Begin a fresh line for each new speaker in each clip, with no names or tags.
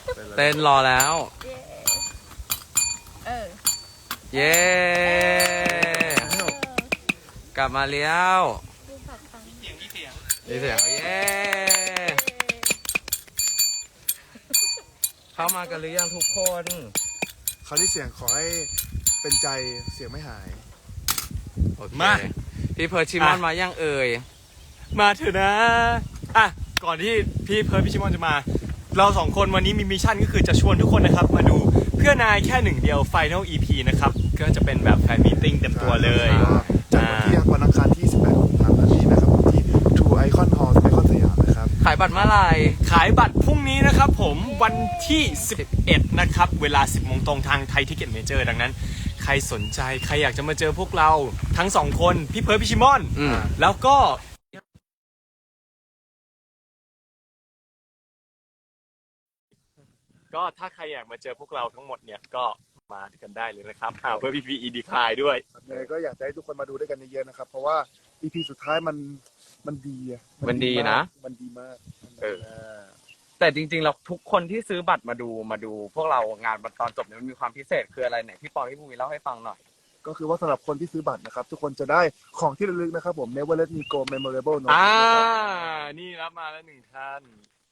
เต้นรอแล้วเย้กลับมาแล้วมีเสียงเย้เข้ามากันหรือยังทุกคน
คราวนี้เสียงขอให้เป็นใจเสียงไม่หาย
มาพี่เพิร์ชชิมอนมายังเอ่ย
มาเถอะนะอ่ะก่อนที่พี่เพิร์ชพี่ชิมอนจะมาเราสองคนวันนี้มีมิชชั่นก็คือจะชวนทุกคนนะครับมาดูเพื่อนายแค่หนึ่งเดียว Final EP นะครับก็จะเป็นแบบแฟนมีตติ้งเต็มตัวเลย
จากวันอังคารที่18กุมภาพันธ์นี้นะครับที่ True Icon Hall ไอคอนสยามนะครับ
ขายบัตรเมื่อไหร่
ขายบัตรพรุ่งนี้นะครับผมวันที่11นะครับเวลา 10 โมงตรงทางไทยทิกเก็ตเมเจอร์ดังนั้นใครสนใจใครอยากจะมาเจอพวกเราทั้งสองคนพี่เพิร์ชพี่ชิมอนแล้วก็ถ้าใครอยากมาเจอพวกเราทั้งหมดเนี่ยก็มากันได้เลยนะครับเพื่อ PPE ดีคลายด้วย
ยังไงก็อยากให้ทุกคนมาดูด้วยกันเยอะๆนะครับเพราะว่า EP สุดท้ายมันดีอะ
มันดีนะ
มันดีมาก
แต่จริงๆเราทุกคนที่ซื้อบัตรมาดูพวกเรางานตอนจบเนี่ยมันมีความพิเศษคืออะไรไหนพี่ปอพี่ภูมิเล่าให้ฟังหน่อย
ก็คือว่าสำหรับคนที่ซื้อบัตรนะครับทุกคนจะได้ของที่ระลึกนะครับผม Never Let Me Go Memorable Note
นี่รับมาแล้ว1ท่าน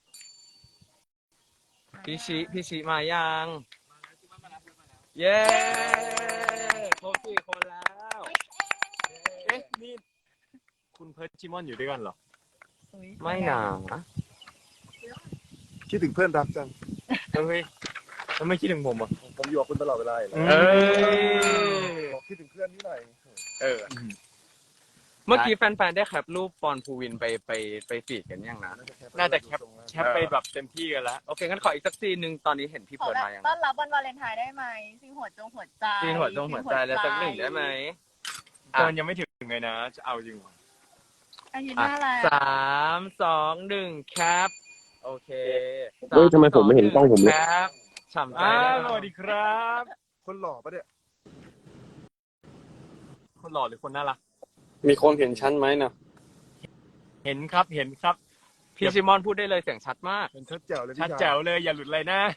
พี่ชิมายังเย้ครบ4 คนแล้ว
เอ๊ะนี่คุณเพิร์ชชิมอนอยู่ด้วยกันเหรอ
ไม่หนา
คิดถึงเพื่อนรักจัง
เฮ้ยทำไมคิดถึงผมอ่ะ
ผมอยู่กับคุณตลอดเวลาเลยบอกคิดถึงเพื่อนนี่หน่อย
เมื่อกี้แฟนๆได้แคปรูปปอนภูวินไปฟีดกันยังนะ
น่าจะแคปไปแบบเต็มที่กันแล้ว
โอเคงั้นขออีกสักซีนนึงตอนนี้เห็นพี่เพิร์ชมายัง
ต้อนรับวันวาเลนไทน์ได้ไหมซีนหัวใจ
ซีนหัวใจแล้วสักหนึ่งได้ไหม
มันยังไม่ถึงเลยนะจะเอาจริง
อาทิตย์หน้าอะไร
3 2 1แคปโอเค
ทำไมผมไม่เห็นกล้องผมเลย
แคปฉ่ำใจ
สวัสดีครับ
คนหล่อปะเนี่ย
คนหล่อหรือคนน่ารัก
มีคนเห็นชั้นไหมนะ
เห็นครับ
พี่ชิมอนพูดได้เลยเสียงชัดมาก
เป็นชัดแจ๋วเลย
ชัดแจ๋วเลยอย่าหลุดเลยนะ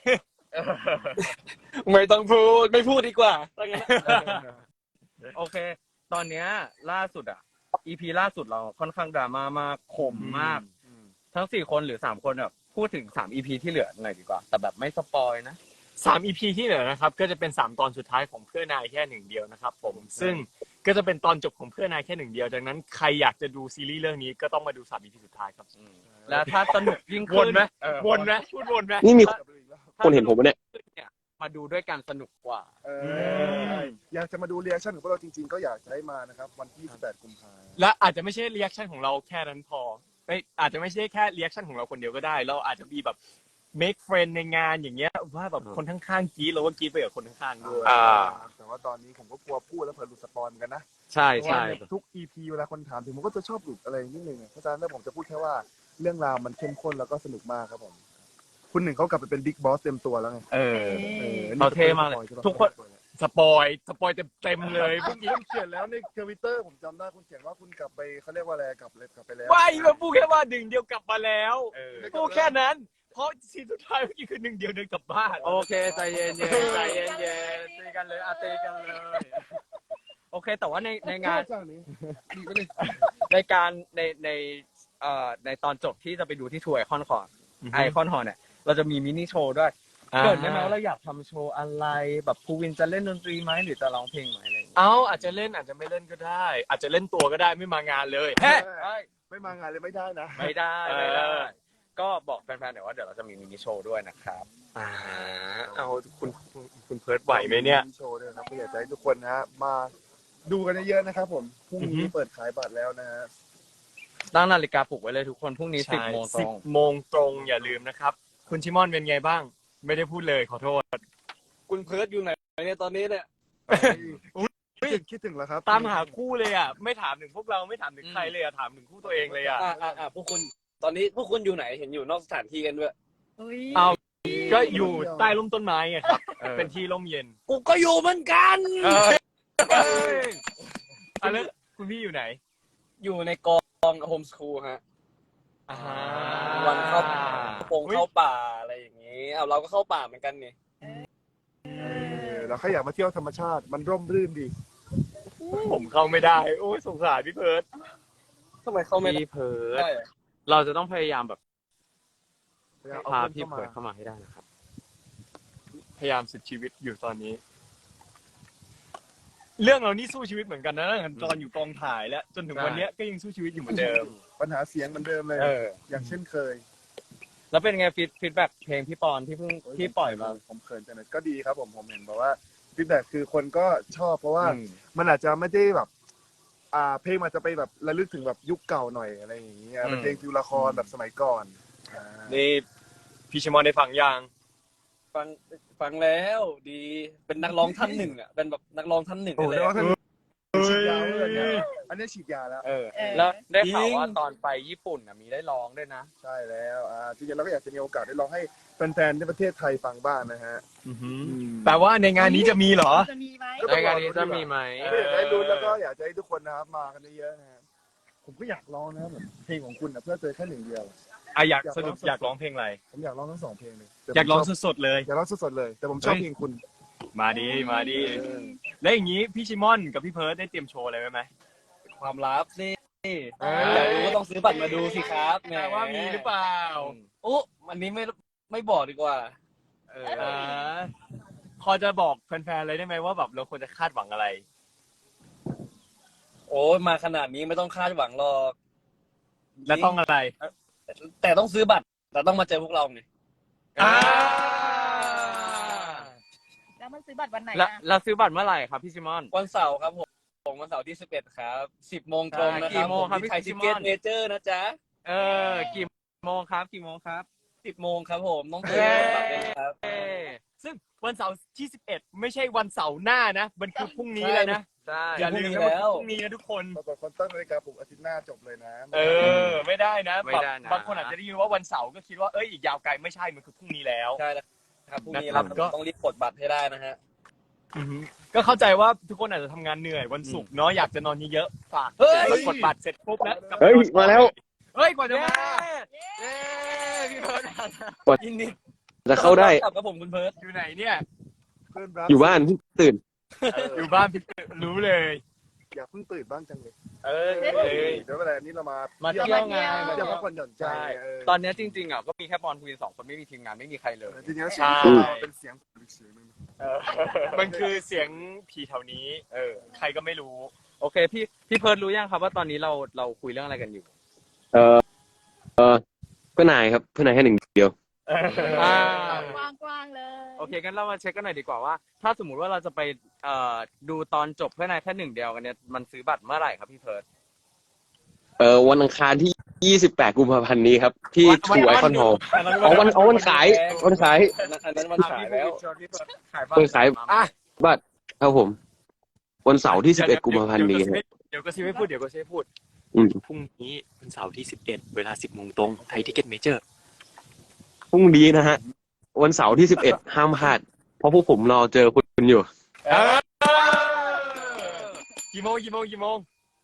ไม่ต้องพูดไม่พูดดีกว่า
โอเคตอนเนี้ยล่าสุดEP ล่าสุดเราค่อนข้างดราม่ามากขมมากทั้ง4 คนหรือ3 คนแบบพูดถึง3 EP ที่เหลือหน่อยดีกว่าแต่แบบไม่สปอยนะ
3 EP ที่เหลือนะครับก็จะเป็น3 ตอนสุดท้ายของเพื่อนายแค่หนึ่งเดียวนะครับผมซึ่งก็จะเป็นตอนจบของเพื่อนายแค่หนึ่งเดียวดังนั้นใครอยากจะดูซีรีส์เรื่องนี้ก็ต้องมาดู3 EP สุดท้ายครับ
แล้วถ้าสนุกยิ่ง
ขึ้นวนไหมพูดวนไหม
นี่มีคนเห็นผมไหมเนี่ย
มาดูด้วยกันสนุกกว่า
อยากจะมาดูเรีแอคชั่นของพวกเราจริงๆก็อยากจะให้มานะครับวันที่18กุมภาพันธ์
และอาจจะไม่ใช่เรีแอคชั่นของเราแค่นั้นพออาจจะไม่ใช่แค่เรีแอคชั่นของเราคนเดียวก็ได้เราอาจจะมีแบบ make friend ในงานอย่างเงี้ยว่าแบบคนข้างๆกรี๊ดเราก็กรี๊ดไปกับคนข้างๆด้วย
แต่ว่าตอนนี้ผมก็กลัวพูดแล้วเผื่อหลุดสปอยล์กันนะ
ใช่
ทุก EP เวลาคนถามถึงผมก็จะชอบหลุดอะไรนิดนึงเพราะฉะนั้นผมจะพูดแค่ว่าเรื่องราวมันเข้มข้นแล้วก็สนุกมากครับผมคุณหนึ่งเขากลับไปเป็นบิ๊กบอสเต็มตัวแล้วไง
เขาเท่มากเลยทุกคน
สปอยเต็มเลย
เมื่อกี้คุณเขียนแล้วในทวิตเตอร์ผมจำได้คุณเขียนว่าคุณกลับไปเขาเรียกว่าอะไรกลับไปแล้ว
ไม่มาพูดแค่ว่าหนึ่งเดียวกลับมาแล้วพูดแค่นั้นเพราะซีนสุดท้ายเมื่อกี้คือหนึ่งเดียวเดินกลับบ้าน
โอเคใจเย็นตีกันเลยตีกันเลยโอเคแต่ว่าในงานในการในตอนจบที่จะไปดูที่ทัวร์ไอคอนฮอลเนี่ยเราจะมีมินิโชว์ด้วยเกิดได้ไหมว่าเราอยากทำโชว์อะไรแบบภูวินจะเล่นดนตรีไหมหรือจะร้องเพลงไหมอะไร
อาจจะเล่นอาจจะไม่เล่นก็ได้อาจจะเล่นตัวก็ได้ไม่มางานเลย
ไม่มางานเลยไม่ได้นะ
ไม่ได้ก็บอกแฟนๆหน่อยว่าเดี๋ยวเราจะมีมินิโชว์ด้วยนะครับ
เอาคุณเพิร์ทไหวไหมเนี่ย
มินิโชว์ด้วยครับก็อยากให้ทุกคนนะมาดูกันเยอะๆนะครับผมพรุ่งนี้เปิดขายบัตรแล้วนะฮะ
ตั้งนาฬิกาปลุกไว้เลยทุกคนพรุ่งนี้10 โมงตรง
10 โมงตรงอย่าลืมนะครับคุณชิมอนเป็นไงบ้างไม่ได้พูดเลยขอโทษ
คุณเพิร์ทอยู่ไหนเนี่ยตอนนี้เนี่ย
คิดถึงแล้วครับ
ตามหาคู่เลยไม่ถามถึงพวกเราไม่ถามถึงใครเลยถามถึงคู่ตัวเองเลย
พวกคุณตอนนี้พวกคุณอยู่ไหนเห็นอยู่นอกสถานที่กันด้วย
เอาก็อยู่ใต้ร่มต้นไม้ไงครับเป็นที่ร่มเย็น
กูก็อยู่เหมือนกัน
แล้วคุณพี่อยู่ไหน
อยู่ในกองโฮมสคูลฮะวันเข้าป่าอะไรอย่างงี้เอาเราก็เข้าป่าเหมือนกันนี่
เราแค่อยากมาเที่ยวธรรมชาติมันร่มรื่นดี
ผมเข้าไม่ได้ โอ้ยสงสารพี่เพิร์ด
ทำไมเข้าไม่ได้
พี่เพิร์ด
ได้
เราจะต้องพยายามแบบ
เอา
พา
เพื่อน
พี่
เข้ามา
เพิร์ดเข้ามาให้ได้นะครับ
พยายามสุดชีวิตอยู่ตอนนี้ เรื่องเรานี่สู้ชีวิตเหมือนกันนะตั้งแต่ตอนอยู่กองถ่ายแล้ว จนถึงวันเนี้ยก็ยังสู้ชีวิตอยู่เหมือนเดิม
ปัญหาเสียงเหมือนเดิมเลย
เออ
อย่างเช่นเคย
แล้วเป็นไงฟีดแบ็กเพลงพี่ปอนที่เพิ่งที่ปล่อยมา
ผมเขินจังเลยก็ดีครับผมเห็นบอกว่าฟีดแบ็คือคนก็ชอบเพราะว่า
อืม
มันอาจจะไม่ได้แบบ เพลงมันจะไปแบบระลึกถึงแบบยุคเก่าหน่อยอะไรอย่างเงี้ยเป็นเพลงฟิวละครแบบสมัยก่อนอ่า
นี่พี่ชิมอนได้ฟังยัง
ฟังแล้วดีเป็นนักร้องท่านหนึ่งอ่ะเป็นแบบนักร้องท่านหนึ่ง
โอ้
เลย
แล้ว
อะ
ท่านฉีดยาเลยเนี่ยอันนี้ฉีดยาแล้ว
เออ
แล้วได้ข่าว
จริง
ว่าตอนไปญี่ปุ่นมีได้ร้องด้วยนะ
ใช่แล้วจริงๆเราก็อยากจะมีโอกาสได้ลองให้แฟนๆในประเทศไทยฟังบ้างนะฮะ
แต่ว่าในงานนี้จะมีเหรอ
จะมีไหม
ก็
ในงานนี้จะมีไหม
ก็อยากให้รู้แล้วก็อยากจะให้ทุกคนนะครับมากันเยอะๆนะฮะผมก็อยากร้องนะครับผมเพลงของคุณนะเพื่อเจอแค่หนึ่งเดียว
อยากสรุปอยากร้องเพลงอะไร
ผมอยากร้องทั้งสองเพลงเลยแต่ผม
อยากร้อง
ชบ
สดๆเลย
อยากร้องสดๆเลย แต่ผมชอบ
เฮ้ย
เพลงคุณ
มาดีมาดี แล้วอย่างนี้พี่ชิมอนกับพี่เพิร์ดได้เตรียมโชว์อะไรไว้ไหม
ความลับสิ
เอ
อยากรู้ก็ต้องซื้อบัตรมาดูสิครับแหม
ว่ามีหรือเปล่า
อุ๊อันนี้ไม่บอกดีกว่า
อ่าพอจะบอกแฟนๆเลยได้ไหมว่าแบบเราควรจะคาดหวังอะไร
โอ้ยมาขนาดนี้ไม่ต้องคาดหวังหรอก
และต้องอะไร
แต่ต้องซื้อบัตรแต่ต้องมาเจอพวกเราไง
อ่า
แล้วมันซื้อบัตรวันไหน
แล้ว
อะ
เราซื้อบัตรเมื่อไหร่ครับพี่ซิมอน
วันเสาร์ครับผมวันเสาร์ที่11ครับ10 โมงตรงนะค
กี่
รับ
โมงครับ
ที่ไทย
พี่
ทิ
ซิม
เก็
อ
ต
น
เมเจอร์นะจ๊ะ
กี่โมงครับกี่โมงครับ
10 โมงครับผมต้องซื้อบัตรเลยนะครับ
ซึ่งวันเสาร์ที่ 11 ไม่ใช่วันเสาร์หน้านะ มันคือพรุ่งนี้เลยนะ
ใช่
อย่าลืมนะว่าพรุ่งนี้นะทุกคน
ปรากฏคนตั้งนาฬิกาปลุกอาทิตย์หน้าจบเลยนะ
ไม่ได้นะ
ไม่
แบบ
ได้นะ
บางคนอาจจะได้ยินว่าวันเสาร์ก็คิดว่าเอ้ยอีกยาวไกลไม่ใช่ มันคือพรุ่งนี้แล้ว
ใช่แล้วครับพรุ่งนี้
นะครับ
เรา
ก็
ต้องรีบกดบัตรให้ได้นะฮะ
ก็เข้าใจว่าทุกคนอาจจะทำงานเหนื่อยวันศุกร์เนาะอยากจะนอนเยอะๆฝาก
เฮ้ย
กดบัตรเสร็จปุ๊บแล้วกลับไป
เฮ้ย
นอนต่อ
มาแล้ว
เฮ้ยกว่าจะมา
เย้พี่เพิร์ด
ยินดี
จะเข้าได้
กลับกับผมคุณเพิร์ด
อยู่ไหนเนี่ย
เพื่อนรัก
อยู่บ้านเพิ่งตื่น
อยู่บ้านพี่รู้เลย
อยากเพิ่งตื่นบ้างจังเลย
เออ
เดี๋ยวเวลานี้เรามา
มาเที่ยวไง
มาเที่ยวพักผ่อนหย่อนใจ
ใช่ ตอนเนี้ยจริงๆก็มีแค่ปอนคุยสองคนไม่มีทีมงานไม่มีใครเลย
จริงๆแล้ว
ใช่
เสียงเราเป็นเสียงอีกเสียงหนึง
มันคือเสียงผีแถวนี้ ใครก็ไม่รู้
โอเคพี่เพิร์ดรู้ยังครับว่าตอนนี้เราคุยเรื่องอะไรกันอยู่
เออเพื่อนนายครับ เพื่อนนายแค่หนึ่งเดียว
อ่า
กว้างๆเลย
โอเคงั้นเรามาเช็คกันหน่อยดีกว่าว่า ถ้าสมมติว่าเราจะไปดูตอนจบเพื่อนายแค่หนึ่งเดียวกันเนี่ยมันซื้อบัตรเมื่อไหร่ครับพี่เพิร์ด
วันอังคารที่ 28 กุมภาพันธ์นี้ครับ ที่
วัน
ทูไอคอนฮอลล์วันขายวันขาย
อันนั้นวันฉายแล้ว
วันขายบัตรครับผม วันเสาร์ที่ 11 กุมภาพันธ์นี้ครับ
เดี๋ยวก็ซิไม่พูดเดี๋ยวก็ซิไม่พูด
อืม
พรุ่งนี้วันเสาร์ที่ 11 เวลา 10 โมงตรงไทยทิเก็ตเมเจอร์
พรุ่งนี้นะฮะ วันเสาร์ที่ 11 ห้ามพลาด เพราะพวกผมรอเจอคุณอยู่
กี่โมง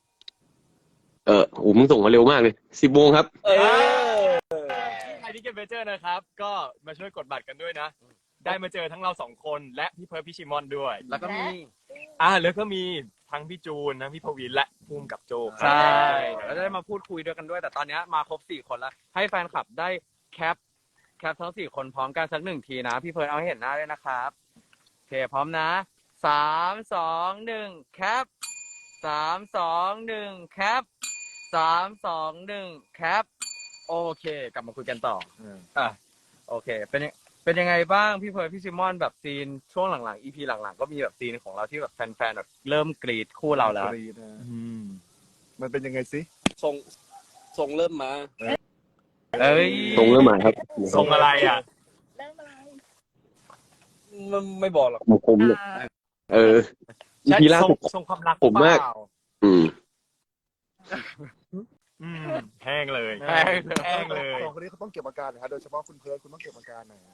มึงส่งมาเร็วมากเลย 10 โมงครับ
ไทยทิเก็ตเมเจอร์นะครับ ก็มาช่วยกดบัตรกันด้วยนะ ได้มาเจอทั้งเราสองคนและพี่เพิร์ดพี่ชิมอนด้วย
แล้วก็มี
แล้วก็มีทั้งพี่จูนทั้งพี่พวินและภูมิกับโจ
ใช่แล้วได้มาพูดคุยด้วยกันด้วย แต่ตอนเนี้ยมาครบ4 คนแล้ว ให้แฟนคลับได้แคปทั้ง4 คนพร้อมกันสัก1 ทีนะ พี่เพิร์ดเอาให้เห็นหน้าด้วยนะครับโอเคพร้อมนะ3 2 1แคป3 2 1แคป3 2 1แคปโอเค กลับมาคุยกันต่อโอเคเป็นยังไงบ้างพี่เพิร์ดพี่ซิมอนแบบซีนช่วงหลังๆ EP หลังๆก็มีแบบซีนของเราที่แบบแฟนๆแบบเริ่มกรีดคู่เราแล้ว
กรีดนะมันเป็นยังไงสิ
ส่งเริ่มมา
เอ้ย
ตรงเรื่องหมายครับ
ส่งอะไรอ่ะ
เริ่มอะไร
ไม่บอกหรอก
ผมเนี่ยอีพีล่าสุด
ส่งความรัก
ผมมาก
เปล่
อืม
แห้งเลย
แห้งเลย
แห้งเลย
สองคนนี้เขาต้องเก็บอาการนะครับโดยเฉพาะคุณเพิร์ดคุณต้องเก็บอาการหน่อย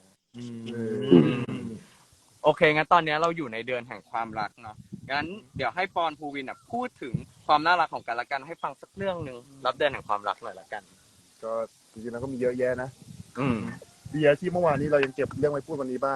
โอเคงั้นตอนนี้เราอยู่ในเดือนแห่งความรักเนาะงั้นเดี๋ยวให้ปอนภูวินพูดถึงความน่ารักของกันและกันให้ฟังสักเรื่องหนึ่งรับเดือนแห่งความรักหน่อยละกัน
ก็จริงๆแล้วก็มีเยอะแยะนะ
อืม
เบียร์ที่เมื่อวานนี้เรายังเก็บเรื่องไว้พูดวันนี้บ้าง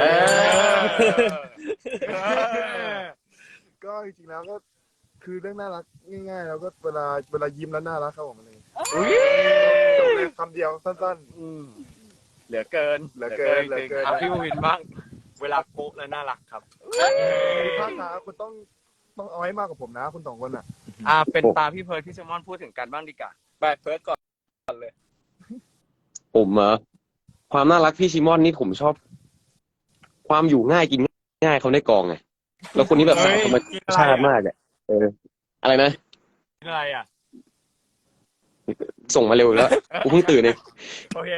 ก็จริงๆแล้วก็คือเรื่องน่ารักง่ายๆแล้วก็เวลายิ้มแล้วน่ารักครับผมอะไรจบเลยคำเดียวสั้น
เหลือเกิน
เหลือเกิน
อ่ะพี่วินบ้าง
เวลาโป๊ะแล้วน่ารักครับ
ๆภาคขาคุณต้องเอาให้มากกว่าผมนะคุณสองคนอ่ะ
เป็นตาพี่เพิร์ดพี่แซมมอนพูดถึงกันบ้างดีกว่า
ไปเพิร์ดก่อนเลย
ผมความน่ารักพี่ชิมอนนี่ผมชอบ ความอยู่ง่ายกินง่ายเขาในกองไงแล้วคนนี้แบบสายธรรมชาติมากอ่ะอะไรนะ
อะไรอ่ะ
ส่งมาเร็วอีกแล้วกูเพิ่งตื่นเอง
โอเค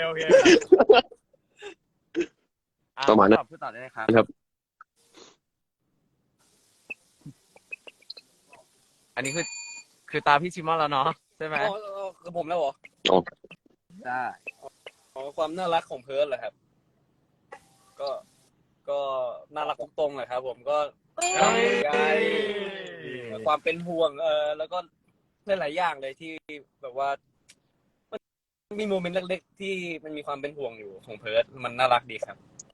ประมาณนั้น
พูดต่อได้ไหมครับ
ครับ
อันนี้คือตาพี่ชิมอนแล้วเนาะใช่ไหม
คือผมแล้วเหรอ
ได้
ความน่ารักของเพิร์ดเหรอครับ ก็น่ารักตรงๆเลยครับ ผมก็ความห่วงใยความเป็นห่วงแล้วก็หลายๆอย่างเลยที่แบบว่ามันมีโมเมนต์เล็กๆที่มันมีความเป็นห่วงอยู่ของเพิร์ดมันน่ารักดีครับ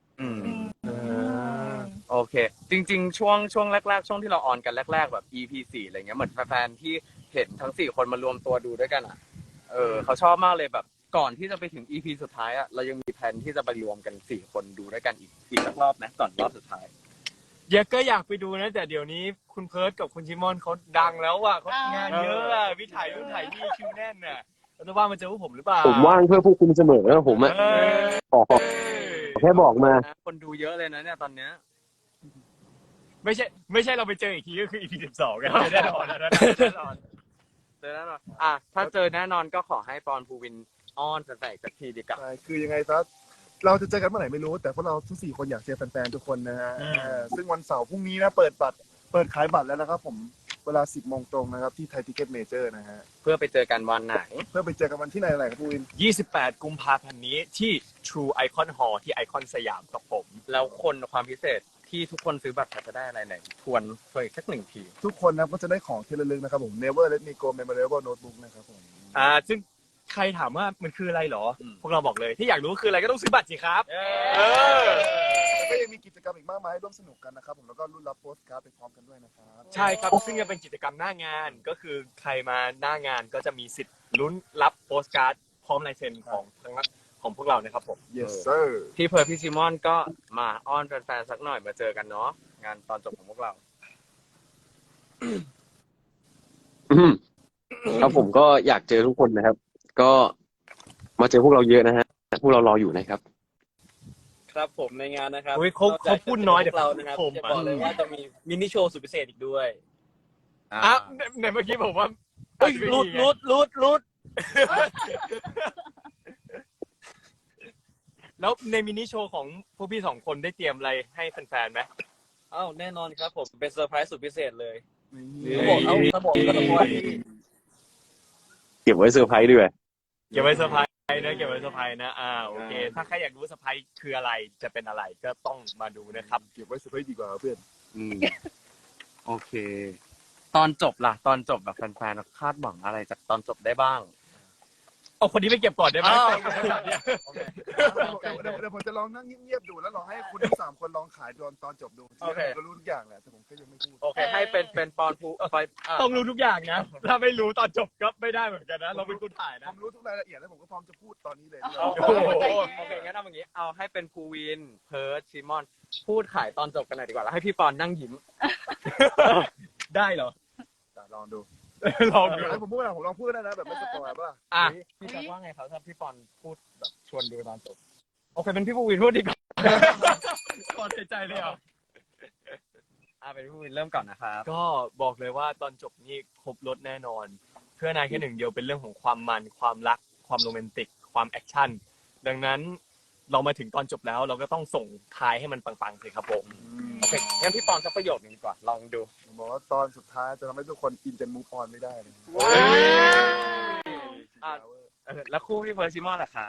โอเค จริงๆ ช่วงแรกๆ ช่วงที่เราออนกันแรกๆ แบบ EP 4อะไรเงี้ยเหมือนแฟนๆที่เห็นทั้ง4คนมารวมตัวดูด้วยกันอ่ะเขาชอบมากเลยแบบก่อนที่จะไปถึง EP สุดท้ายอ่ะเรายังมีแผนที่จะไปรวมกัน4คนดูด้วยกันอีกสักรอบนะก่อนรอบสุดท้าย
เดี๋ยวก็อยากไปดูนะแต่เดี๋ยวนี้คุณเพิร์ดกับคุณชิมอนเขาดังแล้วอ่ะเขางานเยอะอ่ะวิถ่ายนู่นถ่ายนี่คิวแน่นน่ะแล้วจะว่างมาเจอพวกผมหรือเปล่า
ผมว่างเพื่อพวกคุณเสมอแล้วผมอะขอแค่บอกมา
คนดูเยอะเลยนะเนี่ยตอนเนี้ย
ไม่ใช่เราไปเจออีกทีก็คือ EP 12กันแน่นอนนะแน่นอน
เจอแน่นอนถ้าเจอแน่นอนก็ขอให้ปอนภูวินอ้อนแฟนๆอีกสักทีดีกว่า
ใช่คือยังไงซะเราจะเจอกันเมื่อไหร่ไม่รู้ แต่พวกเราทั้ง4คนอยากเจอแฟนๆทุกคนนะฮะซึ่งวันเสาร์พรุ่งนี้นะเปิดขายบัตรแล้วนะครับผมเวลา 10 โมงตรงนะครับที่ไทยทิเก็ตเมเจอร์นะฮะ
เพื่อไปเจอกันวันไหน
เพื่อไปเจอกันวันที่ไหนครับพี่วิน
28 กุมภาพันธ์นี้ที่ True Icon Hall ที่ไอคอนสยามครับผม
แล้วความพิเศษที่ทุกคนซื้อบัตรจะได้อะไรไหนทวนอีกสักหนึ่งที
ทุกคนนะก็จะได้ของที่ระลึกนะครับผม Never Let Me Go Memorable Notebook นะครับผม
ซึ่งใครถามว่ามันคืออะไรเหรอ พวกเราบอกเลยที่อยากรู้คืออะไรก็ต้องซื้อบัตรสิครับ
แล้วก็ยังมีกิจกรรมอีกมากมายให้ร่วมสนุกกันนะครับผมแล้วก็รุ่นรับโปสการ์ดไปพร้อมกันด้วยนะครับ
ใช่ครับ ซึ่งจะเป็นกิจกรรมหน้างานก็คือใครมาหน้างานก็จะมีสิทธิ์ลุ้นรับโปสการ์ดพร้อมลายเซ็นของทั้งของพวกเรานะครับผม
Yes sir
พี่เพิร์ลพี่ซิมอนก็มาอ้อนแฟนๆสักหน่อยมาเจอกันเนาะงานตอนจบของพวกเรา
ครับผมก็อยากเจอทุกคนนะครับ ก็มาเจอพวกเราเยอะนะฮะพวกเรารออยู่นะครับ
ครับผมในงานนะครับ
อุ๊ยเขาพูดน้อยเดี๋ยว
เรานะครับ
ผม
จะบอกเลยว่าจะมีมินิโชว์สุดพิเศษอีกด้วย
ในเมื่อกี้ผมว่า
เฮ้ยรุด
แล้วในมินิโชว์ของพวกพี่สองคนได้เตรียมอะไรให้แฟนๆไหม
อ้าวแน่นอนครับผมเป็นเซอร์ไพรส์สุดพิเศษเลย
นี่
ถ้าบอกก็ต้องว่า
เก็บไว้เซอร์ไพรส์ด้วย
เก็บไว้เซอร์ไพรส์นะเก็บไว้เซอร์ไพรส์นะโอเค ถ้าใครอยากรู้เซอร์ไพรส์คืออะไรจะเป็นอะไรก็ต้องมาดูนะครับ
เก็บไว้สุดท้ายดีกว่าเพื่อน
โอเค ตอนจบล่ะตอนจบแบบแฟนๆคาดหวังอะไรจากตอนจบได้บ้าง
เอาคนนี้ไปเก็บก่อนได้ไหม
เดี๋ยวผมจะลองนั่งเงียบๆดูแล้วลองให้คุณทั้ง3คนลองขายตอนจบดูผมก็รู้ทุกอย่างแหละแต่ผมก็ยังไม่พูด
โอเคให้เป็นปอนภูไป
ต้องรู้ทุกอย่างนะ ถ้าไม่รู้ตอนจบก็ไม่ได้เหมือนกันนะ เราเป็นคนถ่าย
ผ
นะ
มรู้ทุกรายละเอียดแล้วผมก็พร้อมจะพูดตอนนี้เลย
โอเคงั้นเอาอย่างนี้เอาให้เป็นภูวินเพิร์ดซิมอนพูดขายตอนจบกันหน่อยดีกว่าแล้วให้พี่ปอนนั่งยิ้ม
ได้เหรอ
ลองดู
ลองดู
ให้ผมพูดนะผมลองพูดได้นะแบบไม่สปอยล์ป่ะ
พี่แจ็คว่าไงครับถ้าพี่ปอนพูดแบบชวนดูตอนจบโอเคเป็นพี่ภูวินพูดดีกว่า
ตอนใจเลยเหรอ
เป็นพี่ภูวินเริ่มก่อนนะครับ
ก็บอกเลยว่าตอนจบนี่ครบรถแน่นอน เพื่อนายแค่หนึ่งเดียวเป็นเรื่องของความมันความรักความโรแมนติกความแอคชั่นดังนั้นเรามาถึงตอนจบแล้วเราก็ต้องส่งท้ายให้มันปังๆเลยครับผม
โอเคงั้นพี่ปอนสักประโยคนึงดีกว่าลองดู
ผมบอกว่าตอนสุดท้ายจะทำให้ทุกคนอินจนมูฟออนไม่ได้เลย
แล้วคู่พี่เพิร์ดซิมอนล่ะครับ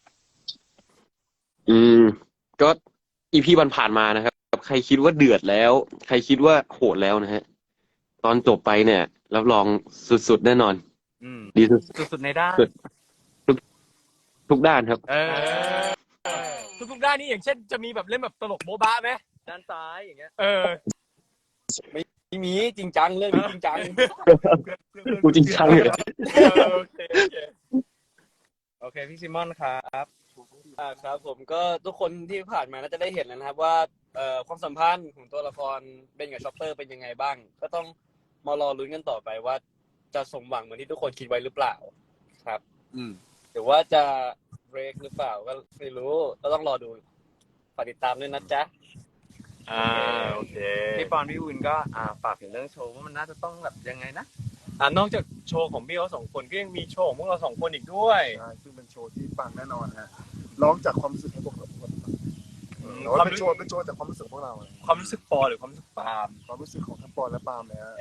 ก็อีพีวันผ่านมานะครับใครคิดว่าเดือดแล้ว ใครคิดว่าโหดแล้วนะฮะตอนจบไปเนี่ยรับรองสุดๆแน่นอน ดีสุด
สุดๆในด้าน
ทุกด้านครับ
ทุกๆด้านนี่อย่างเช่นจะมีแบบเล่นแบบตลกโบ๊ะบะไหม
ด้านซ้ายอย่างเงี้ย
เออ
ไม่มีจริงจังเรื่องนี้จริงจัง
กูจริงจังเลย
โอเค
โอเคพี่ซิมอนครับ
ครับผมก็ทุกคนที่ผ่านมาน่าจะได้เห็นแล้วนะครับว่าความสัมพันธ์ของตัวละครเบนกับชอปเปอร์เป็นยังไงบ้าง ก็ต้องมารอลุ้นกันต่อไปว่าจะสมหวังเหมือนที่ทุกคนคิดไว้หรือเปล่าครับ หรือว่าจะเบรกหรือเปล่าก็ไม่รู้ก็ต้องรอดูฝากติดตามด้วยนะจ๊ะ
โอเค
พี่ปอนพี่อุ่นก็ฝากถึงเรื่องโชว์ว่ามันน่าจะต้องแบบยังไงนะ
นอกจากโชว์ของพี่เขา2 คนก็ยังมีโชว์ของพวกเรา2 คนอีกด้วย
ใช่ซึ่งเป็นโชว์ที่ปังแน่นอนฮะร้องจากความรู้สึกของพวกเราทุกคนแต่ว่าเป็นโชว์จากความรู้สึกของพวกเรา
ความรู้สึกปอหรือความรู้สึกปาล์ม
ความรู้สึกของทั้งปอนและปาล์มเลยฮะ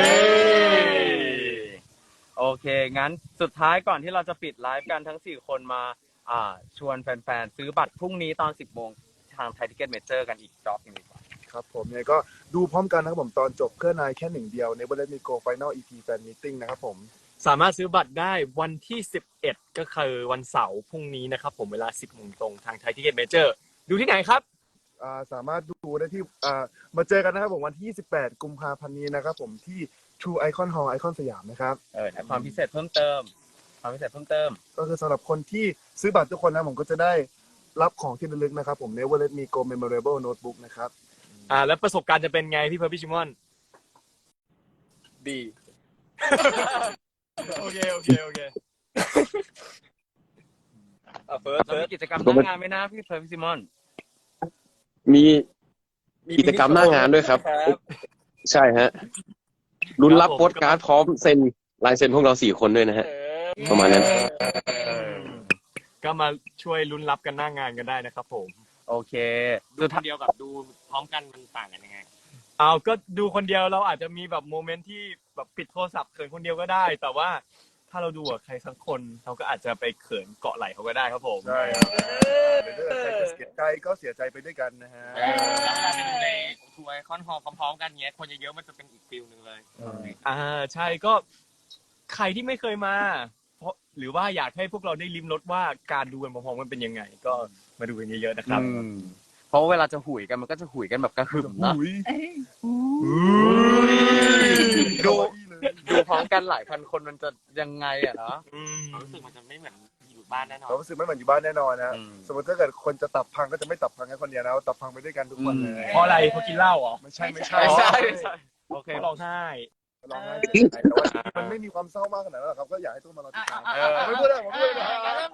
โอเคงั้นสุดท้ายก่อนที่เราจะปิดไลฟ์กันทั้ง4คนมาชวนแฟนๆซื้อบัตรพรุ่งนี้ตอน 10 โมงทางไทยทิเก็ตเมเจอร์กันอีกรอบหนึงดีกว่า
ครับผมเนี่ยก็ดูพร้อมกันนะครับผมตอนจบเครื่องนายแค่หนึ่งเดียวในNever Let Me Go Final EP Fan Meeting นะครับผม
สามารถซื้อบัตรได้วันที่11ก็คือวันเสาร์พรุ่งนี้นะครับผมเวลา 10 โมงตรงทางไทยทิเก็ตเมเจอร์ดูที่ไหนครับ
สามารถดูได้ที่มาเจอกันนะครับผมวันที่ 28 กุมภาพันธ์นี้นะครับผมที่ True Icon Hall ไอคอนสยามนะครับ
ความพิเศษเพิ่มเติม
ก็คือสำหรับคนที่ซื้อบัตรทุกคนนะผมก็จะได้รับของที่ระลึกนะครับผม Never Let Me Go Memorable Notebook นะครับ
แล้วประสบการณ์จะเป็นไงพี่เพิร์ลพี่ชิมอน
ดี
โอเค
เฟิร์ส
เรามีกิจกรรมหน้างานไหมนะพี่เฟิร์นพี่ซิมอน
มีกิจกรรมหน้างานด้วยครับ ใช่ฮะลุ้นรับโปสการ์ดพร้อมเซ็นลายเซ็นพวกเรา4 คนด้วยนะฮะ ประมาณนั้น
ก็มาช่วยลุ้นรับกันหน้างานกันได้นะครับผม
โอเค
ดูคนเดียวกับดูพร้อมกันมันต่างกันยังไง
เอาก็ดูคนเดียวเราอาจจะมีแบบโมเมนต์ที่แบบปิดโทรศัพท์เขินคนเดียวก็ได้ แต่ว่าถ้าเราดูกับใครสักคนเราก็อาจจะไปเขินเกาะไหล่เขาก็ได้ครับผม
ใช่ครับหรือถ้าใครจะเสียใจก็เสียใจไปด้วยกันนะฮะ
แล้วเวลาไปดูในทัวร์ไอคอนฮอลพร้อมๆกันเงี้ยคนเยอะๆมันจะเป็นอีกฟิลหนึ่งเลย
ใช่ก็ใครที่ไม่เคยมาเพราะหรือว่าอยากให้พวกเราได้ลิ้มรสว่าการดูกันพร้อมๆกันเป็นยังไง ก็มาดูกันเยอะๆนะครับ
เพราะว่าเวลาจะหุยกันมันก็จะหุยกันแบบกระหึ่มนะ ดูพร้อมกันหลายพันคนมันจะยังไงอะเนาะ
ความรู้สึกมันจะไม่เหมือนอยู่บ้านแน่นอน
เรารู้สึกไม่เหมือนอยู่บ้านแน่นอนนะ
อืม
สมมติถ้าเกิดคนจะตับพังก็จะไม่ตับพังแค่คนเดียวนะตับพังไปด้วยกันทุกคนเลย
เพราะอะไรเขากินเหล้าเหรอ
ไม่ใช่
ไม่ใช่โอเค
เขาร้องไห้
ร้องไห้เสียใจแต่ว่ามันไม่มีความเศร้ามากขนาดนั้นหรอกครับก็อยากให้ทุกคนมารอติดตามผมไม่พูดแล้วผมไม่พูดแล้ว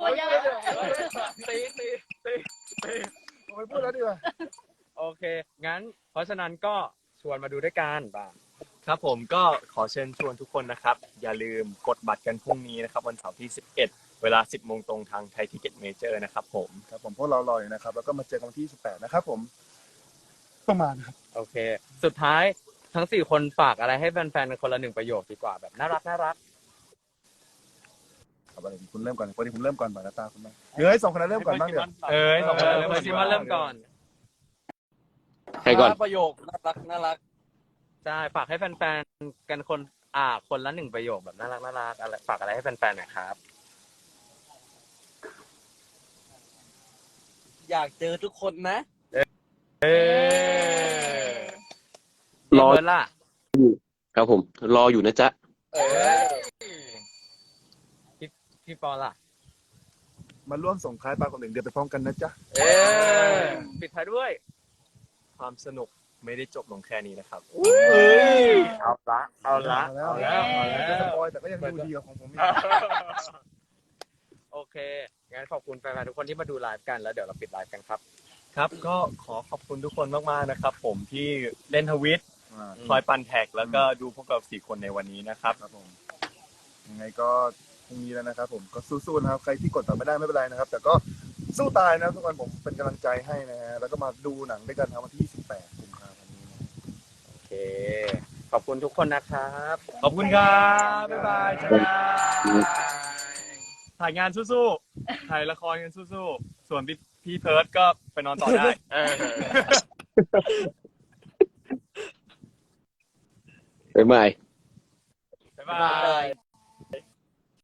ผมไม่พูดแล้วดีกว่า
โอเค งั้น เพราะฉะนั้นก็ชวนมาดูด้วยกันบ้าง
ครับผมก็ขอเชิญชวนทุกคนนะครับ อย่าลืมกดบัตรกันพรุ่งนี้นะครับวันเสาร์ที่ 11 เวลา 10 โมงตรงทางไทยทิเก็ตเมเจอร์นะครับผม
ครับผมพวกเรารออยู่นะครับแล้วก็มาเจอกันวันที่18นะครับผมประมาณครับ
โอเค สุดท้ายทั้ง4คนฝากอะไรให้แฟนๆกันคนละ1ประโยคดีกว่าแบบน่ารัก
ครับอะไรดีคุณเริ่มก่อนวันนี้ผมเริ่มก่อนบ่ายตาคุณไหมเฮ้ย2 คนนั้นเริ่มก่อนบ้างเดี๋ยว
สองคนนั้น
เฟิร์สซิมอนเริ่มก่อน
ใครก่อน
ประโยคน่ารัก
ใช่ฝากให้แฟนๆกันคนละ1ประโยคแบบน่ารักอะไรฝากอะไรให้แฟนๆหน่อยครับ
อยากเจอทุกคนนะ
รอ
เฟิร์สล่ะ
ครับผม รออยู่นะจ๊ะ
พี่ปอล่ะ
มาร่วมส่งท้ายปลาของ1 เดือนไปพร้อมกันนะจ๊ะ
ปิดท้ายด้วย
ความสนุกไม่ได้จบลงแค่นี้นะครับ
เอาละ
จะสปอยแต่ก็ยังดูดีกว่าของผมอีก
โอเค งั้นขอบคุณแฟนๆทุกคนที่มาดูไลฟ์กันแล้วเดี๋ยวเราปิดไลฟ์กันครับ
ครับ ก็ขอขอบคุณทุกคนมากๆนะครับ ผมที่เล่นทวิตคอยปั่นแท็กแล้วก็ดูพวกเรา4 คนในวันนี้นะครับ
ครับผมยังไงก็พรุ่งนี้แล้วนะครับผมก็สู้ๆนะครับใครที่กดต่อไม่ได้ไม่เป็นไรนะครับ แต่ก็สู้ตายนะทุกคนผมเป็นกำลังใจให้นะฮะแล้วก็มาดูหนังด้วยกันครับวันที่28 กุมภาพันธ์นี้นะ
โอเค ขอบคุณทุกคนนะครับ
ขอบคุณครับบ๊ายบายจ้าถ่ายงานสู้ๆถ่ายละครกันสู้ๆส่วนพี่เพิร์ดก็ไปนอนต่อได้
บ๊ายบาย
บ๊ายบาย